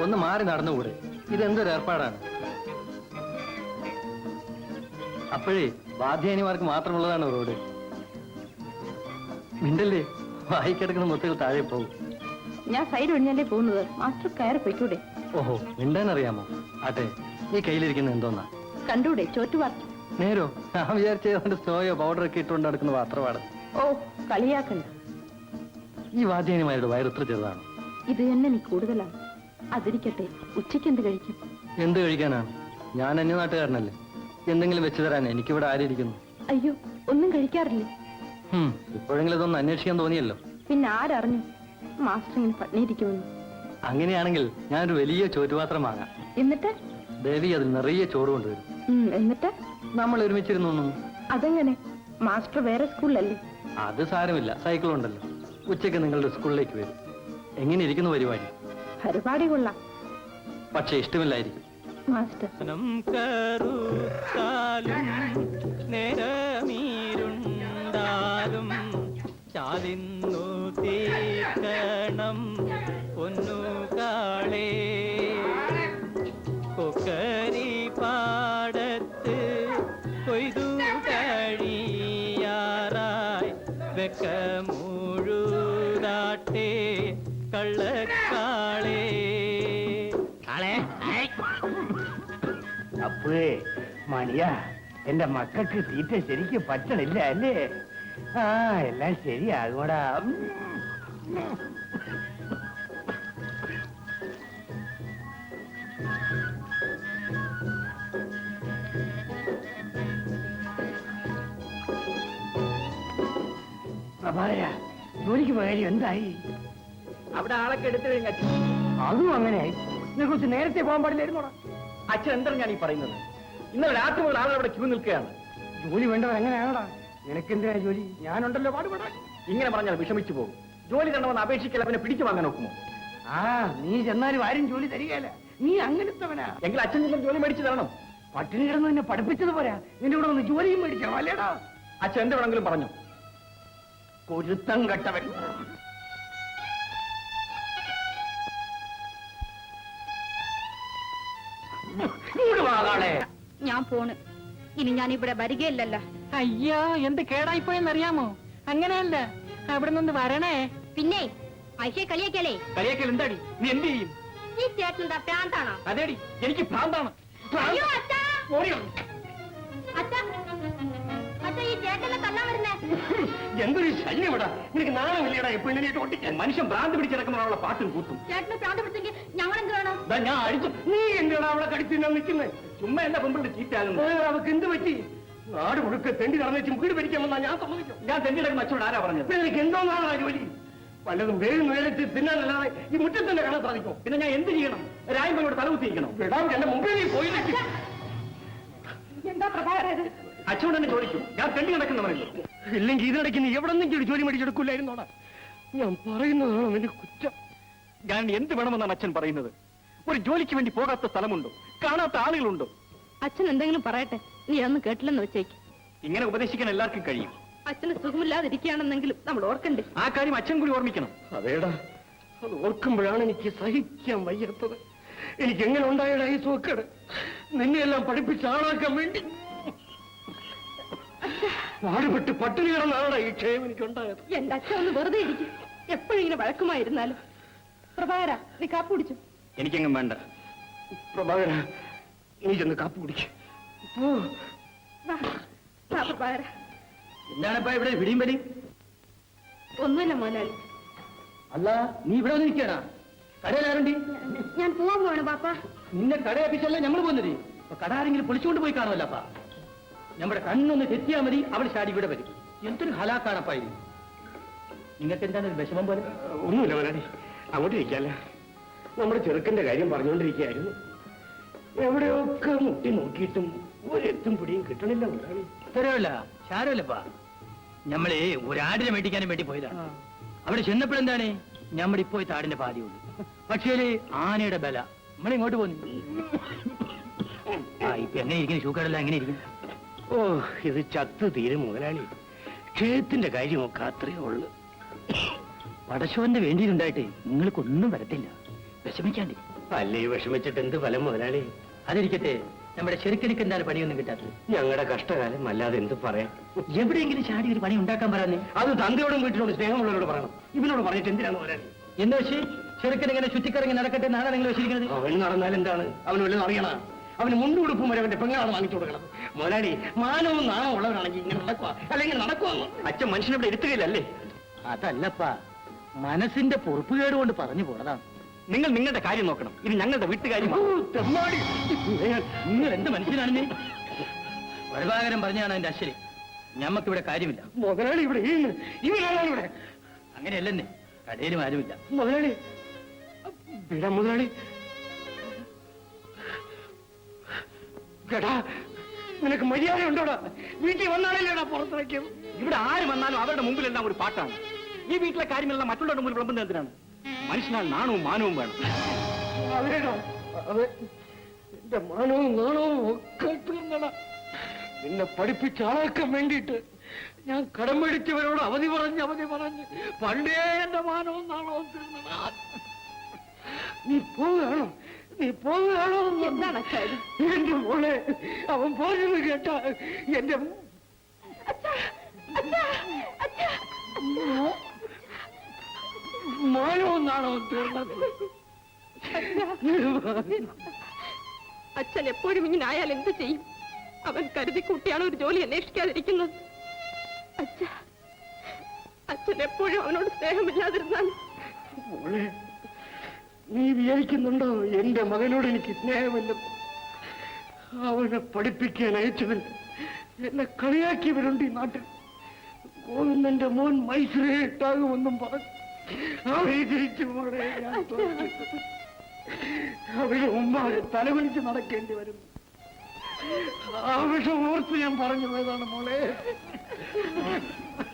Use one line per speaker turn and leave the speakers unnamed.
ഒന്ന് മാറി നടന്നുകൂടെ? ഇതെന്തൊരു ഏർപ്പാടാണ്? അപ്പോഴേ വാദ്യാനിമാർക്ക് മാത്രമുള്ളതാണ് റോഡ്. മിണ്ടല്ലേ, വായിക്കിടക്കുന്ന മുത്തുകൾ താഴെ പോകും.
ഞാൻ സൈഡ് ഒഴിഞ്ഞല്ലേ പോകുന്നത്. മാസ്റ്റർ കയറി പൊയ്ക്കൂടെ?
ഓഹോ, മിണ്ടാൻ അറിയാമോ? ആട്ടെ, ഈ കയ്യിലിരിക്കുന്ന എന്തോന്നാ?
കണ്ടൂടെ, ചോറ്റുപാത്രം.
നേരോ? ഞാൻ വിചാരിച്ചതുകൊണ്ട് സ്റ്റോയോ പൗഡറൊക്കെ ഇട്ടുകൊണ്ട് നടക്കുന്ന പാത്രമാണ്.
ഓ, കളിയാക്കണ്ട.
ഈ വാദ്യാനിമാരുടെ വയറിത്ര ചെറുതാണ്.
ഇത് തന്നെ നീ കൂടുതലാണ്. അതിരിക്കട്ടെ, ഉച്ചയ്ക്ക് എന്ത് കഴിക്കും?
എന്ത് കഴിക്കാനാണ്? ഞാൻ അന്യനാട്ടുകാരനല്ലേ. എന്തെങ്കിലും വെച്ചു തരാൻ എനിക്കിവിടെ ആരിയിരിക്കുന്നു?
അയ്യോ, ഒന്നും കഴിക്കാറില്ലേ?
ഇപ്പോഴെങ്കിലും ഇതൊന്ന് അന്വേഷിക്കാൻ തോന്നിയല്ലോ.
പിന്നെ ആരറിഞ്ഞു മാസ്റ്റർ ഇങ്ങനെ പട്ടിണിയിരിക്കുമെന്ന്?
അങ്ങനെയാണെങ്കിൽ ഞാനൊരു വലിയ ചോറ്റുപാത്രം വാങ്ങാം.
എന്നിട്ട്
ദേവി അതിൽ നിറയെ ചോറ് കൊണ്ടുവരും.
എന്നിട്ട്
നമ്മൾ ഒരുമിച്ചിരുന്നു.
അതെങ്ങനെ? മാസ്റ്റർ വേറെ സ്കൂളിലല്ലേ?
അത് സാരമില്ല, സൈക്കിൾ ഉണ്ടല്ലോ. ഉച്ചയ്ക്ക് നിങ്ങളുടെ സ്കൂളിലേക്ക് വരും. എങ്ങനെ ഇരിക്കുന്നു പരിപാടി?
പരിപാടി കൊള്ളാം,
പക്ഷെ ഇഷ്ടമില്ലായിരിക്കും.
മാസ്റ്റർ
ചാലിന്നു തീക്കണം പൊന്നുകാളേ കൊക്കരി പാടത്ത് കൊയ്തു കഴിയാറായി വെക്കമുഴുതാട്ടെ കള്ളക്കാളേ.
അപ്പേ മണിയാ, എന്റെ മക്കൾക്ക് തീറ്റ ശരിക്കും പറ്റണില്ല അല്ലേ? ആ, എല്ലാം ശരിയാകൂടാ. പ്രഭാകര, ജോലിക്ക് പോയ കാര്യം എന്തായി?
അവിടെ ആളൊക്കെ എടുത്തു കഴിഞ്ഞ
അതും അങ്ങനെയായി. ഇതിനെ കുറിച്ച് നേരത്തെ പോകാൻ പാടില്ലായിരുന്നോടാ?
അച്ഛൻ എന്താണ് ഞാൻ ഈ പറയുന്നത്? ഇന്നലെ രാത്രി മുതൽ ആളുകൾ അവിടെ ക്യൂ നിൽക്കുകയാണ്.
ജോലി വേണ്ടവർ എങ്ങനെയാണോടാ? നിനക്കെന്തിനാ ജോലി? ഞാനുണ്ടല്ലോ പാടുപെടാൻ.
ഇങ്ങനെ പറഞ്ഞാൽ വിഷമിച്ചു പോകും. ജോലി തരണമെന്ന് അപേക്ഷിക്കൽ അവനെ പിടിച്ചു വാങ്ങാൻ നോക്കുമോ?
ആ, നീ ചെന്നാലും ആരും ജോലി തരികയല്ല. നീ അങ്ങനത്തവനാ.
എങ്കിൽ അച്ഛൻ നിങ്ങൾ ജോലി മേടിച്ചു തരണം.
പട്ടിണി കിടന്ന് നിന്നെ പഠിപ്പിച്ചത് പോരാ, നിന്റെ കൂടെ ഒന്ന് ജോലിയും മേടിക്കണം അല്ലേടാ?
അച്ഛൻ എന്ത് വേണമെങ്കിലും പറഞ്ഞു.
കൊരുത്തം കെട്ടവൻ.
ഞാൻ പോണ്. ഇനി ഞാൻ ഇവിടെ വരികയില്ലല്ലോ.
അയ്യോ, എന്ത് കേടായിപ്പോയെന്നറിയാമോ? അങ്ങനെയല്ല, അവിടെ നിന്ന് വരണേ.
പിന്നെ ഐഷയെ കളിയാക്കലേ?
കളിയാക്കൽ എന്താടി? നീ എന്ത് ചെയ്യും?
ഈ ചേട്ടൻ എന്താ പ്രാന്താണോ?
അതേടി, എനിക്ക് ഭ്രാന്താണ്.
അയ്യോ അച്ഛാ, അച്ഛാ, അച്ഛാ, ഈ ചേട്ടനെ തല്ലാൻ വരുന്നേ.
എന്തൊരു ശല്യം ഇവിടെ. നിനക്ക് നാണമില്ലടാ എപ്പോഴും ഓട്ടിക്കാൻ?
മനുഷ്യൻ ഭ്രാന്ത് പിടിച്ചിടക്കുമ്പോഴുള്ള പാട്ടും കൂട്ടും.
ചേട്ടന് പ്രാന്ത് പിടിച്ചെങ്കിൽ ഞങ്ങൾ എന്ത് വേണം?
ഞാൻ അടിച്ചു.
നീ എന്തിനാ അവളെ കടിച്ചു നിൽക്കുന്നത്?
ചുമ്മാ എന്റെ പെമ്പിളുടെ ചീറ്റാകുന്നു.
അവക്ക് എന്ത് പറ്റി? നാട് മുഴുക്കെ തെണ്ടി നടന്നു വീട് ഭരിക്കാമെന്നാ ഞാൻ സമ്മതിക്കും.
ഞാൻ തെണ്ടിടക്കുന്ന അച്ഛനോട് ആരാ പറഞ്ഞത്?
നിനക്ക് എന്തോന്നാണ് ആ ജോലി? വല്ലതും വേഗം വേലച്ച് തിന്നാനല്ലാതെ ഈ മുറ്റത്ത് തന്നെ കാണാൻ സാധിക്കും.
പിന്നെ ഞാൻ എന്ത് ചെയ്യണം? രായമ്മയോട് തലകുത്തിയിരിക്കണം.
വിടാം, എന്റെ മുമ്പിൽ നീ പോയില്ലെങ്കിൽ.
എന്താ പ്രഭാകരത്?
അച്ഛനോട് തന്നെ ചോദിക്കും. ഞാൻ തെണ്ടി നടക്കുന്നവരല്ലോ.
ഇല്ലെങ്കിൽ ഇതിനിടയ്ക്ക് നീ എവിടെ നിന്നെങ്കിലും ജോലി മേടിച്ചെടുക്കില്ലായിരുന്നോടാ? ഞാൻ പറയുന്നതാണോ എന്റെ കുറ്റം?
ഞാൻ എന്ത് വേണമെന്നാണ് അച്ഛൻ പറയുന്നത്? ഒരു ജോലിക്ക് വേണ്ടി പോകാത്ത സ്ഥലമുണ്ടോ? കാണാത്ത ആളുകളുണ്ടോ?
അച്ഛൻ എന്തെങ്കിലും പറയട്ടെ, നീ അതൊന്നും കേട്ടില്ലെന്ന് വെച്ചേക്ക്.
ഇങ്ങനെ ഉപദേശിക്കാൻ എല്ലാവർക്കും കഴിയും.
അച്ഛന് സുഖമില്ലാതിരിക്കുകയാണെന്നെങ്കിലും നമ്മൾ ഓർക്കണ്ടേ?
ആ കാര്യം അച്ഛൻ കൂടി ഓർമ്മിക്കണം.
അതേടാ, അത് ഓർക്കുമ്പോഴാണ് എനിക്ക് സഹിക്കാൻ വയ്യാത്തത്. എനിക്ക് എങ്ങനെ ഉണ്ടായടാ ഈ സുഖക്കേട്? നിന്നെയെല്ലാം പഠിപ്പിച്ച് ആളാക്കാൻ വേണ്ടി നാടുപെട്ട് പട്ടിണി കിടന്നാണ് ഈ ക്ഷയം എനിക്കുണ്ടായത്.
എന്റെ അച്ഛൻ ഒന്ന് വെറുതെ ഇരിക്കും. എപ്പോഴും ഇങ്ങനെ വഴക്കുമായിരുന്നാലും. പ്രഭാകര, നീ കാപ്പി കുടിച്ചു?
എനിക്കെങ്ങും വേണ്ട.
പ്രഭാകര, നീ ചെന്ന് കാപ്പി കുടിക്ക്.
പ്രഭാകര.
എന്താണിപ്പ ഇവിടെ പിടിയും പടി?
ഒന്നുമില്ല മോനാലി.
അല്ല, നീ ഇവിടെ വന്നിരിക്കണ? കടയിലാരുണ്ടി?
ഞാൻ പോവാൻ പോവാണ് പാപ്പ.
നിന്നെ കടയപ്പിച്ചല്ലേ ഞമ്മൾ പോകുന്നത്. കട ആരെങ്കിലും പൊളിച്ചുകൊണ്ട് പോയി കാണുമല്ലപ്പാ. നമ്മുടെ കണ്ണൊന്ന് തെറ്റിയാൽ മതി, അവൾ ചാടി ഇവിടെ വരും. എന്തൊരു ഹലാക്കാണപ്പായി. നിങ്ങൾക്ക് എന്താണ് ഒരു വിഷമം പോലെ?
ഒന്നുമില്ല മോനാലി, അങ്ങോട്ട് ഇരിക്കല്ല. നമ്മുടെ ചെറുക്കന്റെ കാര്യം പറഞ്ഞുകൊണ്ടിരിക്കുകയായിരുന്നു. എവിടെയൊക്കെ മുട്ടി നോക്കിയിട്ടും ഒരെത്തും പിടിയും കിട്ടണില്ല മുതലാളി.
തരവില്ല, ശാരമില്ലപ്പാ. ഞമ്മളെ ഒരാടിനെ മേടിക്കാനും വേണ്ടി പോയതാണ്. അവിടെ ചെന്നപ്പോഴെന്താണ് ഞമ്മടെ ഇപ്പോ താടിന്റെ പാതിയുള്ളൂ. പക്ഷേ ആനയുടെ ബല നമ്മളിങ്ങോട്ട് പോന്നു. ഇപ്പൊ എങ്ങനെ ഇരിക്കുന്നു? ഷൂക്കടല്ല എങ്ങനെ ഇരിക്കുന്നു?
ഓ, ഇത് ചത്തു തീരും മുതലാളി. ക്ഷേത്രത്തിന്റെ കാര്യമൊക്കെ അത്രയേ ഉള്ളു.
പടശോന്റെ വേണ്ടിയിട്ടുണ്ടായിട്ടേ നിങ്ങൾക്കൊന്നും വരത്തില്ല. വിഷമിക്കാണ്ടേ.
അല്ലേ വിഷമിച്ചിട്ട് എന്ത് ഫലം മുതലാളി?
അതിരിക്കട്ടെ, നമ്മുടെ ശരിക്കടിക്ക് എന്താണ് പണിയൊന്നും കിട്ടാത്തത്?
ഞങ്ങളുടെ കഷ്ടകാലം അല്ലാതെ എന്ത് പറയാം?
എവിടെയെങ്കിലും ചാടി ഒരു പണി ഉണ്ടാക്കാൻ പറയാനേ.
അത് തന്തയോടും വീട്ടിലോട് സ്നേഹമുള്ളവരോട് പറയണം. ഇവനോട് പറഞ്ഞിട്ട് എന്തിനാണ് മുതലാളി?
എന്ന് വെച്ച് ചെറുക്കൻ ഇങ്ങനെ ചുറ്റിക്കറങ്ങി നടക്കട്ടെ എന്നാണ് നിങ്ങൾ വെച്ചിരിക്കുന്നത്?
അവൻ നടന്നാൽ എന്താണ്? അവന് വല്ലതും അറിയണ? അവന് മുണ്ടുടുപ്പും വരെ അവന്റെ പെങ്ങളാണ് വാങ്ങിച്ചു കൊടുക്കണം. മുതലാളി മാനവും നാണവും ഉള്ളവരാണെങ്കിൽ ഇങ്ങനെ നടക്കുക, അല്ലെങ്കിൽ നടക്കുമെന്ന് അച്ഛൻ മനുഷ്യനോട് എടുത്തുകയില്ലല്ലേ?
അതല്ലപ്പാ, മനസ്സിന്റെ പൊറുപ്പുകേട് കൊണ്ട് പറഞ്ഞു പോണതാണ്.
നിങ്ങൾ നിങ്ങളുടെ കാര്യം നോക്കണം. ഇത് ഞങ്ങളുടെ വീട്ടുകാര്യമാണ്.
നിങ്ങൾ എന്ത് മനുഷ്യനാണ് നീ? വഴുതാകരം പറഞ്ഞാണ് എന്റെ അശ്വരി. ഞമ്മക്കിവിടെ കാര്യമില്ല.
മുതലാളി ഇവിടെ ഇവനാണ് ഇവിടെ.
അങ്ങനെയല്ലെന്നേ, കടയിലും ആരുമില്ല.
മുതലാളി വിടാ മുതലാളി. കേട്ടാ, നിനക്ക് മര്യാദ ഉണ്ടോടാ? വീട്ടിൽ വന്നാലല്ലേടാ പുറത്തിറക്കും.
ഇവിടെ ആര് വന്നാലും അവരുടെ മുമ്പിലെല്ലാം ഒരു പാട്ടാണ്. ഈ വീട്ടിലെ കാര്യമെല്ലാം മറ്റുള്ളവരുടെ മുമ്പിൽ വിളമ്പുന്നത് എന്തിനാണ്? മനുഷ്യനാൽ നാണവും മാനവും വേണം.
അതേടാ, അതെ, എന്റെ മാനവും നാണവും ഒക്കെ തീർന്നടാ. എന്നെ പഠിപ്പിച്ച ആളാക്കാൻ വേണ്ടിയിട്ട് ഞാൻ കടം മേടിച്ചവരോട് അവധി പറഞ്ഞ് പണ്ടേ എന്റെ മാനവും നാണവും തീർന്നടാ. നീ പോവുകയാണോ?
എന്താണ് അച്ഛാ ഇത്?
എന്റെ മോളെ, അവൻ പോയത് കേട്ട എന്റെ മാനവും നാണവും തീർന്നത്.
അച്ഛൻ എപ്പോഴും ഇങ്ങനെ ആയാൽ എന്ത് ചെയ്യും? അവൻ കരുതി കൂട്ടിയാണ് ഒരു ജോലി അന്വേഷിക്കാതിരിക്കുന്നത്. അച്ഛൻ എപ്പോഴും അവനോട് സ്നേഹമില്ലാതിരുന്നാൽ.
മോളെ, നീ വിചാരിക്കുന്നുണ്ടോ എന്റെ മകനോട് എനിക്ക് സ്നേഹമില്ല? അവനെ പഠിപ്പിക്കാൻ അയച്ചവൻ എന്നെ കളിയാക്കിയവരുണ്ട് ഈ നാട്ടിൽ. ഗോവിന്ദന്റെ മോൻ മൈസൂരെ ഇട്ടാകുമെന്നും പറഞ്ഞു അവരെ ജയിച്ചു. മോളെ, ഞാൻ തോറ്റു. അവരുടെ മുമ്പാകെ തലകുനിച്ച് നടക്കേണ്ടി വരുന്നു. ആ വിഷം ഓർത്ത് ഞാൻ പറഞ്ഞു പോയതാണ് മോളെ.